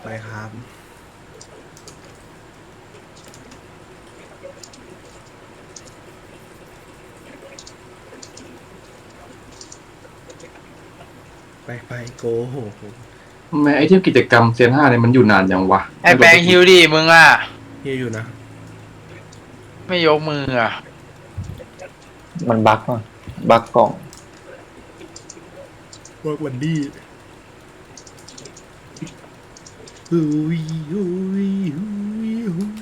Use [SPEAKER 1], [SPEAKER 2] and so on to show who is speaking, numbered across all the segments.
[SPEAKER 1] ไปครับไปโกโห
[SPEAKER 2] ทำไมไอเทมกิจกรรมเซียน5เนี่ยมันอยู่นานอย่างวะ
[SPEAKER 3] ไอแปลงฮิวดิมึงอ่ะ
[SPEAKER 1] เฮียอยู่นะ
[SPEAKER 3] ไม่ยกมืออ่ะ
[SPEAKER 4] มันบั๊กว่ะบั๊กกล่อง
[SPEAKER 1] เวิร์กวันดี้ฮูยฮูยฮูยฮูย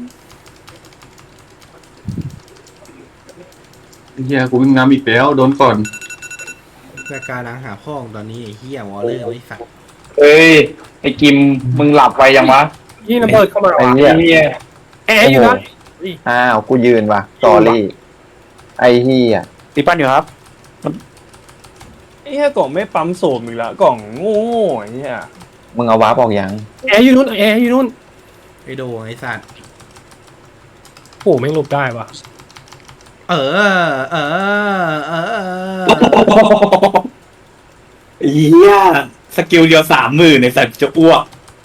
[SPEAKER 2] เฮียกูวิ่งน้ำอีกแล้วโดนก่อน
[SPEAKER 1] รายการล้างหาพ่อของตอนนี้ไอ้เฮียวอลเลอร์ไม่สัก
[SPEAKER 5] เอ้ยไอ้กิมมึงหลับไปยังวะ
[SPEAKER 6] ยี่ระเบิดเข้ามา
[SPEAKER 4] ไอ้
[SPEAKER 6] ว่ะ
[SPEAKER 4] เหี้ย
[SPEAKER 5] ไอ้เหี้ย
[SPEAKER 6] แอร์อยู่นะ
[SPEAKER 4] อ้าวกูยืนว่ะสอรี่ไอ้เหี้ย
[SPEAKER 5] ตีปั้นอยู่ครับ
[SPEAKER 7] ไอ้เหี้ยกล่องไม่ปั๊มโสมอีกแล้วกล่องโง่ๆไอ้เหี้ย
[SPEAKER 4] มึงเอาวาร์ปออกยัง
[SPEAKER 6] แอร์อยู่นู่นแอร์อยู่นู่น
[SPEAKER 1] ไอโดไอสัตว์
[SPEAKER 6] โอ้แม่งหลบได้ว่ะ
[SPEAKER 1] เออ
[SPEAKER 5] เหี้ยสกิลเดียว30,000ในสัตว์จะอ้วก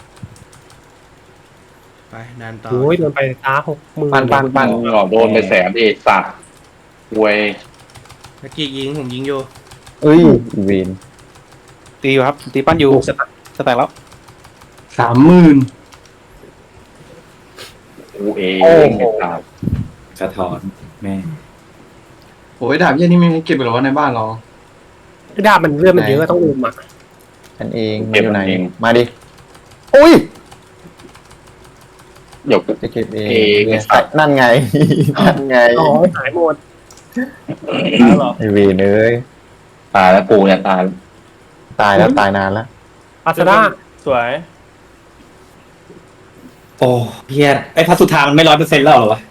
[SPEAKER 1] ไปนานต่อ
[SPEAKER 6] โอ้ยโดนไปตา60,000
[SPEAKER 4] ปั้น
[SPEAKER 5] หลอกโดนไปแสนเอกสัตว์เวย
[SPEAKER 1] เมื่อกี้ยิงผมยิงอยู่
[SPEAKER 4] เอ้ยอีเวน
[SPEAKER 5] ตีอยู่ครับตีปั้นอยู่สแต็กแล้ว
[SPEAKER 2] 30,000
[SPEAKER 5] กูเอง
[SPEAKER 8] สะท้อนแม่
[SPEAKER 2] โอ้ยดาบเฮียนี่ไม่ให้เก็บไปหรอวะในบ้านเรา
[SPEAKER 6] ดาบมันเลือดมันเยอะต้องอุ้มอ่ะ
[SPEAKER 4] ฉันเองมาอยู่ไหนมาดิอุ้ย
[SPEAKER 5] เดี๋ยว
[SPEAKER 4] จะเก็บเอง
[SPEAKER 5] เอง
[SPEAKER 4] เนี่ยนั่นไง นั่นไง
[SPEAKER 6] อ๋อหายหมด
[SPEAKER 7] แล้วเหรอ
[SPEAKER 4] ไอเวนเอ้ย
[SPEAKER 5] ตายแล้วกูเนี่ยตาย
[SPEAKER 4] ตายแล้วตายนานแล้ว
[SPEAKER 6] อาซาด้า
[SPEAKER 7] สวย
[SPEAKER 8] โอ้เพี้ยไอ้พัสสุธามันไม่100%แล้วเหรอวะ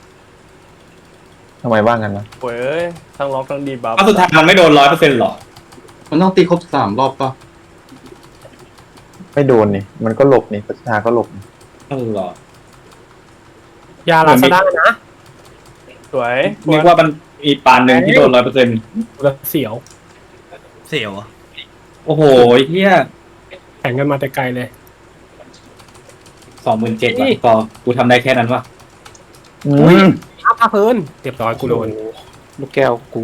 [SPEAKER 4] ทำไมว่างกันวะ
[SPEAKER 7] โว้ยทั้งล็อกทั้งดีบัฟ
[SPEAKER 8] พัสสุธามันไม่โดน100%หรอ
[SPEAKER 2] มันต้องตีครบ3 รอบป่ะ
[SPEAKER 4] ไม่โดนนี่มันก็หลบนี่ประชาก็หลบนี่
[SPEAKER 8] เออหรอย
[SPEAKER 6] าลาซาด้านะ
[SPEAKER 7] สวย
[SPEAKER 8] นึกว่ามันมีปานหนึ่งที่โดน100%
[SPEAKER 6] แล้วเสียว
[SPEAKER 1] เสียวอ่ะ
[SPEAKER 8] โอ้โหเฮีย
[SPEAKER 6] แข่งกันมาแต่ไกลเลย
[SPEAKER 8] 27,000ว่ะก็กูทำได้แค่นั้นวะ
[SPEAKER 6] อ้าวพาเพลินเรียบร้อยกูโดน
[SPEAKER 5] ลูกแก้วกู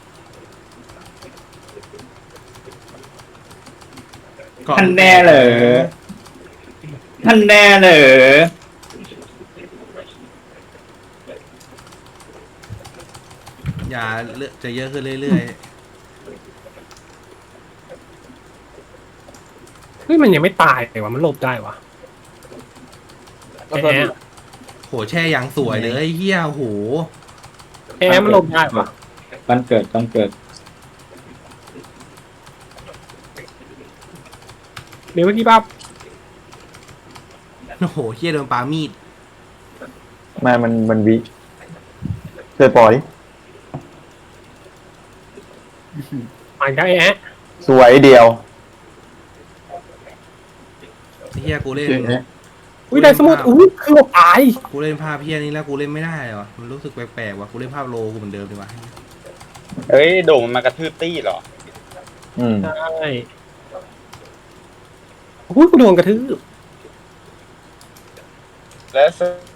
[SPEAKER 8] ท่านแน่เหรอท่านแน่เหรอ
[SPEAKER 1] ยาเลือดจะเยอะขึ้นเรื่อย
[SPEAKER 6] เฮ้ยมันยังไม่ตายเลยว่ะมันหลบได้ว่ะ
[SPEAKER 7] ก็
[SPEAKER 6] แอ
[SPEAKER 7] ก็
[SPEAKER 6] ร์
[SPEAKER 1] ๆโหแช่ยังสวยเลยเฮียโห
[SPEAKER 6] แอร์มันหลบได้ว่ะ
[SPEAKER 8] วันเกิด
[SPEAKER 6] เดี๋ยวเมื่อกี้ปั๊บ
[SPEAKER 1] โอ้โหเฮียโดนปามีด
[SPEAKER 4] มันวิเคยปล่อย
[SPEAKER 6] อ่านก็แอร์
[SPEAKER 4] สวยเดียว
[SPEAKER 1] เฮียกูเล่น
[SPEAKER 6] อุ้ยได้สมุดอุ้ยคือหลบตาย
[SPEAKER 1] กูเล่นภาพเฮียนี้แล้วกูเล่นไม่ได้ว่ะมันรู้สึกแปลกๆว่ะกูเล่นภาพโลกูเหมือนเดิมดีกว่า
[SPEAKER 5] เฮ้ยโด่งมันมากระทืบตี้เหรอ
[SPEAKER 4] อืม
[SPEAKER 6] ใช่อุ้ยกูโดนกระทืบ
[SPEAKER 5] แล้ว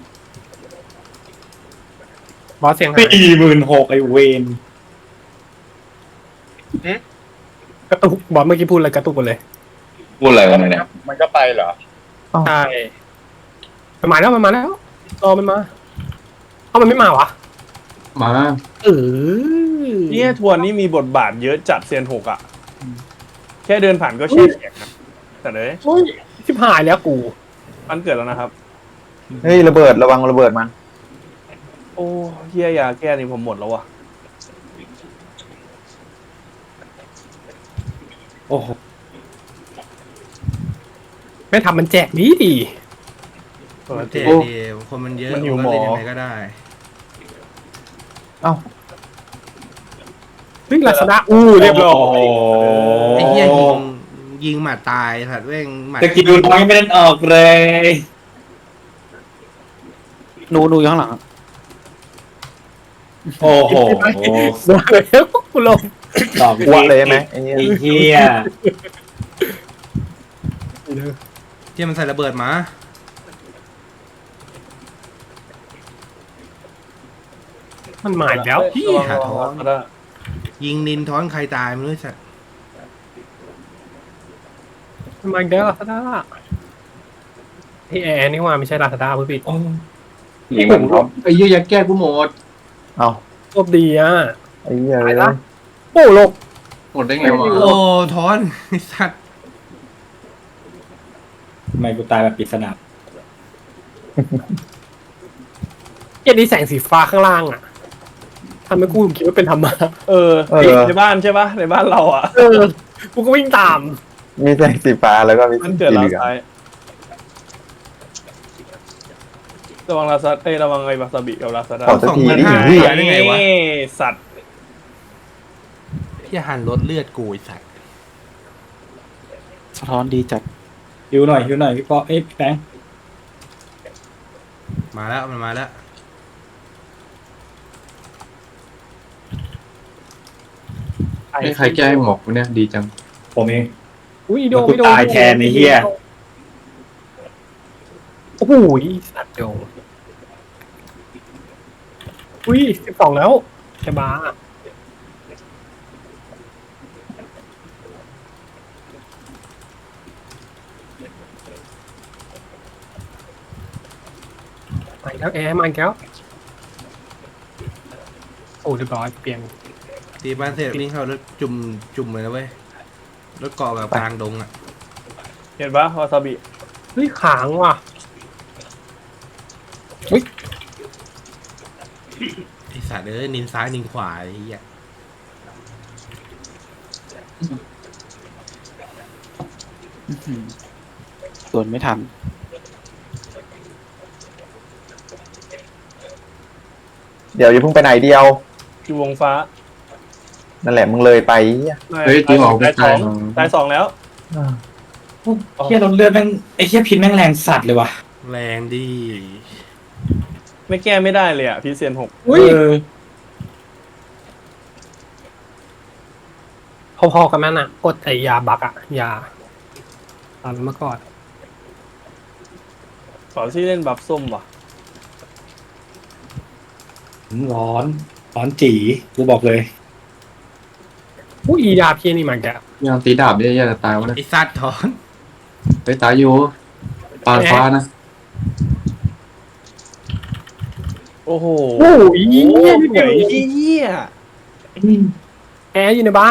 [SPEAKER 6] บอสเสียงหาย
[SPEAKER 8] 46,000ไอเวน
[SPEAKER 6] กระตุกบอสเมื่อกี้พูดอะไรกระตุกหมดเลย
[SPEAKER 5] พูดอะไรกันเนี่ยมันก็ไปเหรอ
[SPEAKER 6] ใช่มันมาแล้วรอมันมาเอ้ามันไม่มาวะ
[SPEAKER 2] มา
[SPEAKER 6] เออ
[SPEAKER 7] เนี่ยทวนนี่มีบทบาทเยอะจัดเซียนหกอ่ะแค่เดินผ่านก็แช่แข็งนะแต่เลย
[SPEAKER 6] โอ้ยชิบหายแล้วกู
[SPEAKER 7] มันเกิดแล้วนะครับ
[SPEAKER 4] เฮ้ยระเบิดระวังระเบิดมัน
[SPEAKER 7] โอ้เฮียยาแก้นี่ผมหมดแล้วว่ะ
[SPEAKER 8] โอ้โห
[SPEAKER 6] ไม่ทำมันแจกดีดี
[SPEAKER 1] มันเท่ดีคนมันเยอะ
[SPEAKER 7] มันหิ
[SPEAKER 1] กู
[SPEAKER 7] ว
[SPEAKER 1] ก็
[SPEAKER 7] หมอ
[SPEAKER 1] เล่นยังไงก็ได้
[SPEAKER 4] เอ้า
[SPEAKER 6] วิ่งลาซาด้าเรียบร้อย
[SPEAKER 1] ไอ้เฮียยิงหมัดตายสัตว์เว้งหมัด
[SPEAKER 8] สกิลน้อยไม่ได้ออกเลย
[SPEAKER 5] หนูอยู่ข้างหลัง
[SPEAKER 8] โอ้โห
[SPEAKER 6] โดนแล้วกูลง
[SPEAKER 8] ดอก
[SPEAKER 4] อ้วกเลยไหมไอ้เนี่ย
[SPEAKER 8] ไอ้เหี้ย
[SPEAKER 1] ที่มันใส่ระเบิดมา
[SPEAKER 6] มันมาอีกแล้ว
[SPEAKER 1] พี่หาท้อน
[SPEAKER 7] ก็ได้
[SPEAKER 1] ยิงนินท้อนใครตายไม่รู้สัตว์
[SPEAKER 6] มันมาอีกแล้วลาซาด้าที่แอร์นี่ว่าไม่ใช่ลาซาด้าเพื่อปิด
[SPEAKER 5] โอ้
[SPEAKER 8] ยิงมันพร้อม
[SPEAKER 2] ไอ้เหี้ยยัดแก้กูหมด
[SPEAKER 4] เอา
[SPEAKER 6] โชคดีอ่ะ
[SPEAKER 4] ไอ้เหี้ย
[SPEAKER 6] ไป
[SPEAKER 4] เลย
[SPEAKER 6] ละโอ้หลบ
[SPEAKER 2] หมดได้ไงวะ
[SPEAKER 1] โอ้ท้อนไอ้สัตว์
[SPEAKER 5] ทำไมกูตายแบบปริศนา
[SPEAKER 6] เอ็นนี้แสงสีฟ้าข้างล่างอ่ะทำให้กูคิดว่าเป็นธรรมะ
[SPEAKER 7] เออในบ้านใช่ปะในบ้านเราอ่ะ
[SPEAKER 6] กูก็วิ่งตาม
[SPEAKER 4] มีแสงสีฟ้าแล้วก็มี
[SPEAKER 7] มัน
[SPEAKER 4] สี
[SPEAKER 7] เกิด
[SPEAKER 4] เห
[SPEAKER 7] เรา
[SPEAKER 4] ลือง
[SPEAKER 7] ซ้ายระวังลาซาระวังไอ้วาซาบิกับลาซาด้า
[SPEAKER 4] ขอสักทีดิ
[SPEAKER 1] 2,500
[SPEAKER 4] เหี้ย
[SPEAKER 1] ตายได้ไงวะ
[SPEAKER 7] สัตว์
[SPEAKER 1] พี่หันรถเลือดกูไอ้สัตว์
[SPEAKER 8] สะท้อนดีจัด
[SPEAKER 5] ฮิวหน่อยพี่ป๊อเอ้ยพี่แบงค์
[SPEAKER 1] มาแล้วมันมาแล้ว
[SPEAKER 2] ให้ใครแก้ให้หมอกกูเนี่ยดีจัง
[SPEAKER 5] ผมเอง
[SPEAKER 6] อุ้ยโด
[SPEAKER 5] กูตายแทนไอ้เหี้ย
[SPEAKER 6] โอ้โหสัตว์โดอุ้ย12แล้วจะบ้ามาอีกแล้วแอร์มาอีกแล้วโอ้เรียบร้อยเปลี่ยน
[SPEAKER 1] ตีบ้านเสร็จวิ่งเข้ารถจุ่มเลยนะเว้ยรถเกาะแบบกลางดงอ่ะ
[SPEAKER 7] เห็นปะวาซาบิ
[SPEAKER 6] เฮ้ยขางว่ะ
[SPEAKER 1] ไอ้สัตว์เอ้ยนินซ้ายนินขวาไอ้เหี้ย
[SPEAKER 8] ส่วนไม่ทัน
[SPEAKER 4] เดี๋ยวอย่าเพิ่งไปไหนเดียว
[SPEAKER 7] อยู่วงฟ้า
[SPEAKER 4] นั่นแหละมึงเลยไปเหี้ย
[SPEAKER 2] เฮ้ยจริงเหรอ
[SPEAKER 7] ตายสอง
[SPEAKER 2] ตายสอง
[SPEAKER 7] ตาย2แล้ว
[SPEAKER 5] เหี้ยรถเลือดแม่งไอ้เหี้ยพิษแม่งแรงสัตว์เลยว่ะ
[SPEAKER 1] แรงดี
[SPEAKER 7] ไม่แก้ไม่ได้เลยอ่ะพีเซียน6
[SPEAKER 6] อุ้ย
[SPEAKER 5] เออ
[SPEAKER 6] พอๆกันนั่นอ่ะกดไอยาบักอ่ะยาตอนเมื่อก่อน
[SPEAKER 7] สอนที่เล่นบัฟส้มว่ะ
[SPEAKER 5] ร้อนจีกูบอกเลย
[SPEAKER 6] อุ้ยยาพี่นี่มันแก
[SPEAKER 2] ยังตีดาบเนี่ยจะตายวะเนี่ย
[SPEAKER 1] ไอ้สัตว์ท้อน
[SPEAKER 2] ไปตายอยู่ปาดฟ้านะ
[SPEAKER 7] โอ้โห
[SPEAKER 6] โอ้ย
[SPEAKER 7] เหี้
[SPEAKER 6] เหี้
[SPEAKER 7] ย
[SPEAKER 6] ย
[SPEAKER 7] เหนื่อยเหี้ย
[SPEAKER 6] แอร์อยู่ในบ้าน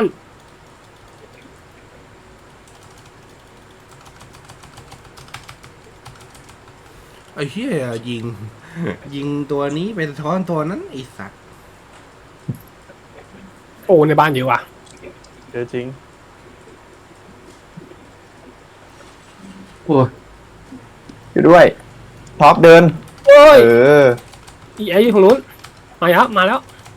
[SPEAKER 1] ไอ้เหี้ยยิงตัวนี้ไปสะท้อนตัวนั้นไอ้สัตว์
[SPEAKER 6] โอ้ในบ้านเยอะว่ะ
[SPEAKER 7] เจอจริง
[SPEAKER 2] โอ้ย
[SPEAKER 4] อยู่ด้วยท็อปเดิน
[SPEAKER 6] โอ้ย
[SPEAKER 4] เออ
[SPEAKER 6] อีแอร์อยู่ตรงนู้นมาแล้วมาแล้ว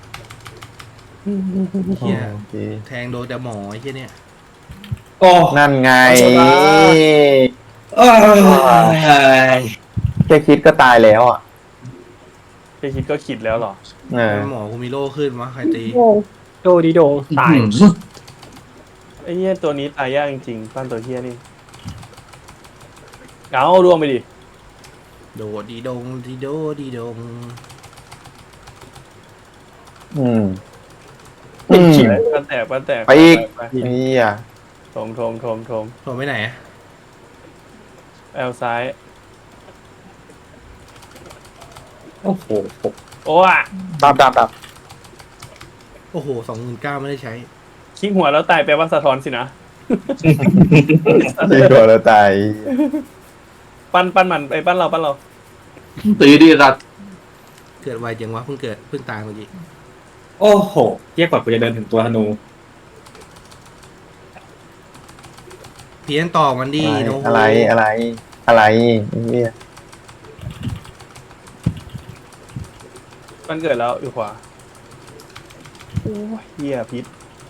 [SPEAKER 1] เหี้ย
[SPEAKER 4] โอเค
[SPEAKER 1] แทงโดนแต่หมอไอ้เหี้ยเนี่ย
[SPEAKER 5] โอ้
[SPEAKER 4] นั่นไง
[SPEAKER 5] เอ้ย
[SPEAKER 4] แค่คิดก็ตายแล้วอ่ะ
[SPEAKER 7] แค่คิดก็ขิดแล้วเหรอ
[SPEAKER 4] เออ
[SPEAKER 1] หมอกูมีโล่ขึ้นวะใครตี
[SPEAKER 6] โดดีโดงตาย
[SPEAKER 7] ไอ้เหี้ยตัวนี้ตายยากจริงๆปั้นตัวเหี้ยนี่เอาร่วงไปดิ
[SPEAKER 1] โดดีดงดีโดดีดง
[SPEAKER 4] อืม
[SPEAKER 7] ปั้นแตก
[SPEAKER 4] ไปอีก
[SPEAKER 7] ไป
[SPEAKER 4] เฮีย
[SPEAKER 7] โถม
[SPEAKER 1] โดนไปไหนอะ
[SPEAKER 7] แอลซ้าย
[SPEAKER 5] โอ้โห
[SPEAKER 7] โอ้อะ
[SPEAKER 4] ตาม
[SPEAKER 1] โอ้โห29,000ไม่ได้ใช้
[SPEAKER 7] คลิกหัวแล้วตายแปลว่าสะท้อนสินะ
[SPEAKER 4] ดีกว่าเราตาย
[SPEAKER 7] ปั้นมันไอ้ปั้นเรา
[SPEAKER 2] ตีดีรัด
[SPEAKER 1] เกิดไวจังวะเพิ่งตายเมื่อกี้
[SPEAKER 5] โอ้โหเทียบกว่ากูจะเดินถึงตัวธนู
[SPEAKER 1] เพี้ยนต่อมันดีโนโฮ
[SPEAKER 4] อะไรเฮีย
[SPEAKER 7] ปั้นเกิดแล้วอยู่ขวาโอ้ยเหี้ยพิษ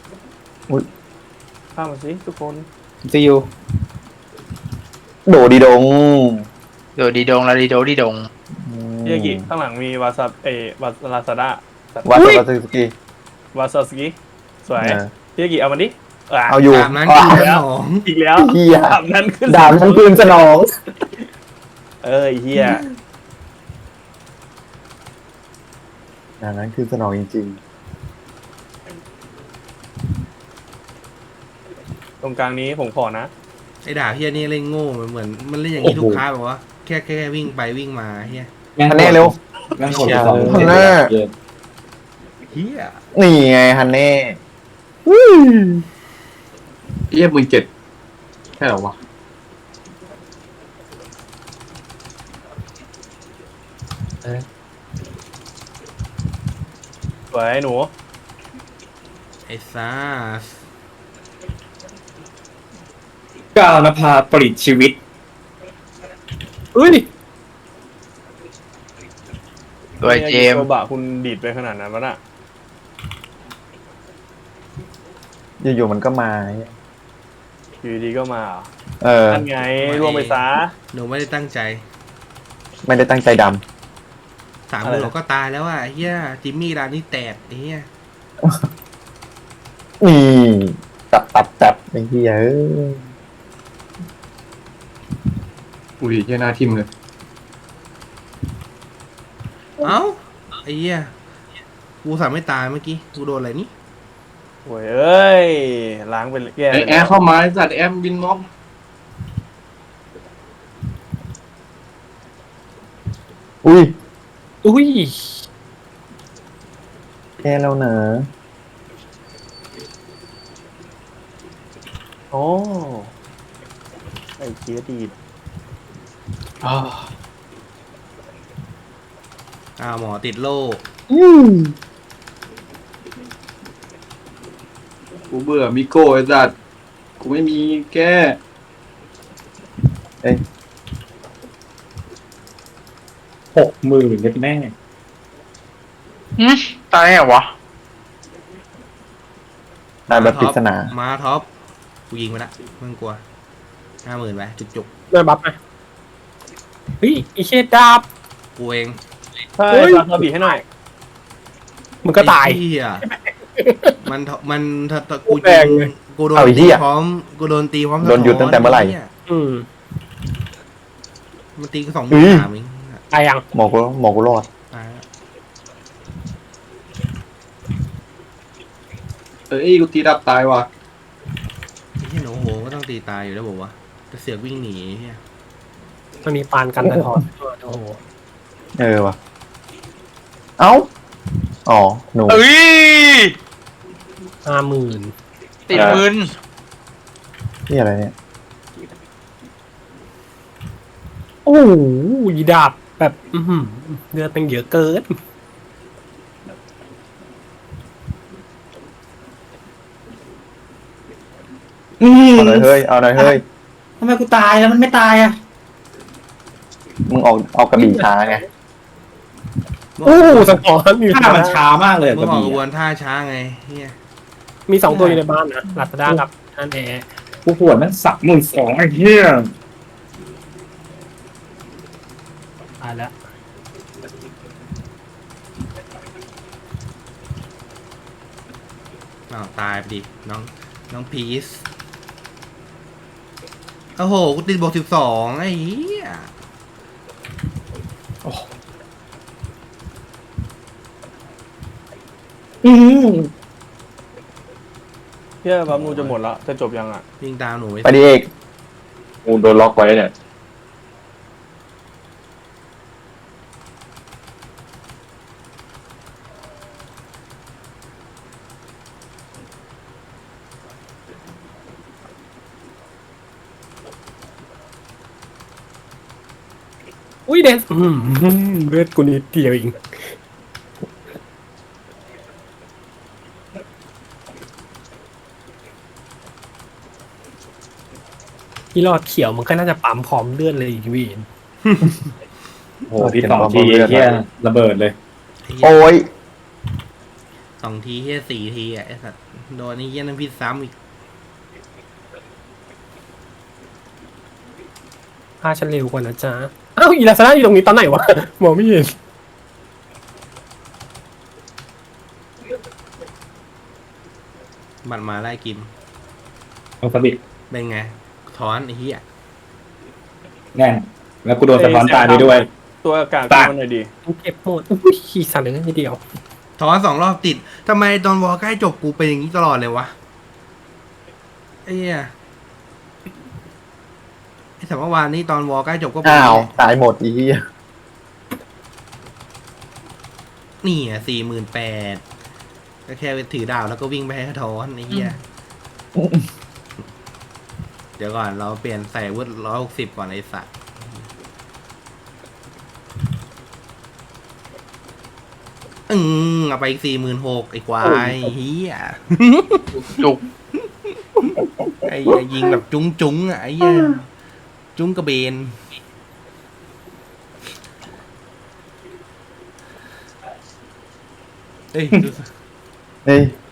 [SPEAKER 7] ข้ามมาสิทุกคน
[SPEAKER 8] ซียู
[SPEAKER 4] โดดีดง
[SPEAKER 3] โดดีดงลาดีโดดีดง
[SPEAKER 7] เฮียกิข้างหลังมีวาซาลาซาด้า
[SPEAKER 4] วัดสวัสดิสกี
[SPEAKER 7] วาซาสกิสวยเฮียกิเอามันดิ
[SPEAKER 4] เอาอยู่
[SPEAKER 1] ตามนั้นคือสนอง
[SPEAKER 7] อีกแล้ว
[SPEAKER 4] เฮีย
[SPEAKER 7] ดาบนั้นขึ้น
[SPEAKER 4] ดาบมันคืนสนอง
[SPEAKER 7] ไอ้เฮีย
[SPEAKER 4] ดาบนั้นคืนสนองจริง
[SPEAKER 7] ตรงกลางนี้ผมขอนะ
[SPEAKER 1] ไอ้ด่าเฮียนี่เล่นโง่เหมือนมันเล่นอย่างนี้ทุกครั้งแบบว่าแค่วิ่งไปวิ่งมาเฮีย
[SPEAKER 4] ๆฮันเน่เร็ว
[SPEAKER 5] แม่งกดไปสอง
[SPEAKER 4] ฮันเน่
[SPEAKER 1] เฮีย
[SPEAKER 4] นี่ไงฮันเน่
[SPEAKER 2] เอี้ย17,000แค่เหรอวะ
[SPEAKER 7] สวยหนู
[SPEAKER 1] ไอ้ซ่า
[SPEAKER 5] ก้าวนภาปริตชีวิต
[SPEAKER 6] เอ้ย
[SPEAKER 3] โดยเจม
[SPEAKER 7] โซ
[SPEAKER 3] ส์
[SPEAKER 7] บะคุณดีดไปขนาดนั้นวะน่ะ
[SPEAKER 4] อยู่ๆมันก็มา
[SPEAKER 7] อยู่ดีๆก็มาเหรอ
[SPEAKER 4] เออ
[SPEAKER 7] นั่นไงร่วงไปซะ
[SPEAKER 1] หนูไม่ได้ตั้งใจ
[SPEAKER 4] ไม่ได้ตั้งใจด
[SPEAKER 1] 3 มือเราก็ตายแล้วอ่ะเฮียจิมมี่ร้านนี้แตกไอ้เฮีย
[SPEAKER 4] ำนี่ตับไอ้เฮียเอ้ย
[SPEAKER 2] อุ้ยเหี้ยหน้าทิ่มเลย
[SPEAKER 1] เอ้าไอ้เฮียกูสามไม่ตายเมื่อกี้กูโดนอะไรนี่
[SPEAKER 7] โอ้ยเอ้ยล้างไปแย่
[SPEAKER 2] ไอ้แอร์เข้ามาไอ้สัตว์แอมบินม็อบ
[SPEAKER 4] อุ้ย
[SPEAKER 6] อุ้ย
[SPEAKER 4] แย่แล้วเนอะ
[SPEAKER 7] โอ้ไอ้เคียดีด
[SPEAKER 2] อ้าว
[SPEAKER 1] หมอติดโล่
[SPEAKER 2] กูเบื่อมิโก้ไอ้สัตว์กูไม่มีแก้
[SPEAKER 5] 60,000เล็ดแม่
[SPEAKER 3] ตายเหรอวะ
[SPEAKER 4] ตายแบบปริศนา
[SPEAKER 1] มาท็อปกูยิงไปละมึงกลัว 50,000ไปจุก
[SPEAKER 6] ได้บัฟไหมเฮ้ยไอ้เชดดาบ
[SPEAKER 1] ๆกูเอง
[SPEAKER 7] ใช่
[SPEAKER 6] เฮ้ย
[SPEAKER 7] ฝากกระบี่ให้หน่อย
[SPEAKER 6] มันก็ตาย
[SPEAKER 1] ไอ้เหี้ยมันถ้ากู
[SPEAKER 6] แร
[SPEAKER 1] ยิ
[SPEAKER 6] ง
[SPEAKER 1] ง
[SPEAKER 6] เลย
[SPEAKER 1] กูโดน
[SPEAKER 4] เอาไอ้เหี้
[SPEAKER 1] ตี
[SPEAKER 4] ย
[SPEAKER 1] พร้อมกูโดนตีพร้อม
[SPEAKER 4] โดนหยุดตั้งแต่เมื่อไหร่
[SPEAKER 1] หี้ย
[SPEAKER 6] อืม
[SPEAKER 1] มันตีกัน2
[SPEAKER 4] อื้
[SPEAKER 1] มือ
[SPEAKER 4] อ
[SPEAKER 1] 3เอง
[SPEAKER 6] ตายยัง
[SPEAKER 4] หมอกูรอด
[SPEAKER 1] ตายแล้ว
[SPEAKER 2] เอ้ยกูตีดับตายว่ะ
[SPEAKER 1] ไอ้เหี้ยหนูโหก็ต้องตีตายอยู่แล้วบอกว่าจะเสือกวิ่งหนีเฮีย
[SPEAKER 6] มันมีปานกันสะท้อนโอ้โห
[SPEAKER 4] เออว่ะ เอ้า อ๋อ หนู
[SPEAKER 3] เอ้ย
[SPEAKER 6] 50,000
[SPEAKER 3] ติดมืน
[SPEAKER 4] นี่อะไรเนี่ย
[SPEAKER 6] โอ้โหยีดาบแบบ เลือดเป็นเยอะเกิน
[SPEAKER 4] เอาหน่อยเฮ้ย เอาหน่อยเฮ้ย
[SPEAKER 5] ทำไมกูตายแล้วมันไม่ตายอ่ะ
[SPEAKER 4] มึงออกกระบี่ช้าไง
[SPEAKER 6] โอ้สะท้อนอยู่
[SPEAKER 5] ท่ามันช้ามากเลย
[SPEAKER 1] มึ
[SPEAKER 5] ก
[SPEAKER 1] ง
[SPEAKER 5] ระ
[SPEAKER 1] ออก
[SPEAKER 5] บี่
[SPEAKER 1] กระบว
[SPEAKER 5] อะ
[SPEAKER 1] นท่าช้าไงเฮีย
[SPEAKER 6] มี2 ตัวอยู่ในบ้านนะลาซาด้ากับอันแอร์
[SPEAKER 5] กูปวดมัน32,000ไอ้เหี้ย
[SPEAKER 6] ตายแล้ว
[SPEAKER 1] ตายไปดิน้องพีซโอ้โหกูติดบวก12ไอ้เหี้ย
[SPEAKER 7] เฮียบัมนูจะหมดละจะจบยังอ่ะ
[SPEAKER 1] วิ่งตามหนู
[SPEAKER 4] ไปดิเอก
[SPEAKER 2] กูโดนล็อกไว้เนี่ย
[SPEAKER 6] อุ้ยเดนเลือดกูนิดเดียวเองที่รอดเขียวมันก็น่าจะปั๊มพร้อมเลือดเลยอีกวีน
[SPEAKER 4] โอ้โห
[SPEAKER 5] พี่
[SPEAKER 4] เป็น
[SPEAKER 5] สอง
[SPEAKER 4] ความ
[SPEAKER 5] ที
[SPEAKER 4] เลือด
[SPEAKER 5] เหี้ยระเบิดเลย
[SPEAKER 4] โอ้ย
[SPEAKER 1] 2 ทีเฮีย4 ทีอ่ะไอ้สัตว์โดนนี่เฮียน้ำพิษซ้ำอีก
[SPEAKER 6] พาฉันเร็วกว่านะจ๊ะอ้าวอีลาซาด้าอยู่ตรงนี้ตอนไหนวะมองไม่เห็น
[SPEAKER 1] บัตรมาไล่กิน
[SPEAKER 5] เอาสบิด
[SPEAKER 1] เป็นไงถอนไอ้เหี้ย
[SPEAKER 5] แน่นแล้วกูโดนสะท้อนตายไปด้วย
[SPEAKER 7] ตัวอากาศ
[SPEAKER 5] ปาก
[SPEAKER 7] มันหน่อยดี
[SPEAKER 6] เก็บหมดอุ้ยขี่สั่นเลยนิดเดียว
[SPEAKER 1] ถอน2 รอบติดทำไมตอนวอลใกล้จบกูเป็นอย่างนี้ตลอดเลยวะไอ้เหี้ยไอ้แต่เมื่อวานนี้ตอนวอลใกล้จบก็เป็น
[SPEAKER 4] อ้าวตายหมดอีเหี้ย
[SPEAKER 1] นี่อ่ะ48,000ก็แค่ถือดาวแล้วก็วิ่งไปให้ถอนไอ้เหี้ยเดี๋ยวก่อนเราเปลี่ยนใส่วุฒิ160ก่อนไอ้สัตว์เอาไปอีก46,000ไอ้ควายเฮีย
[SPEAKER 3] จุก
[SPEAKER 1] ไอ้เหี้ยยิงแบบจุ้งอ่ะไอ้เหี้ยจุ้งกระเบนเอ้ย
[SPEAKER 4] เฮ้ย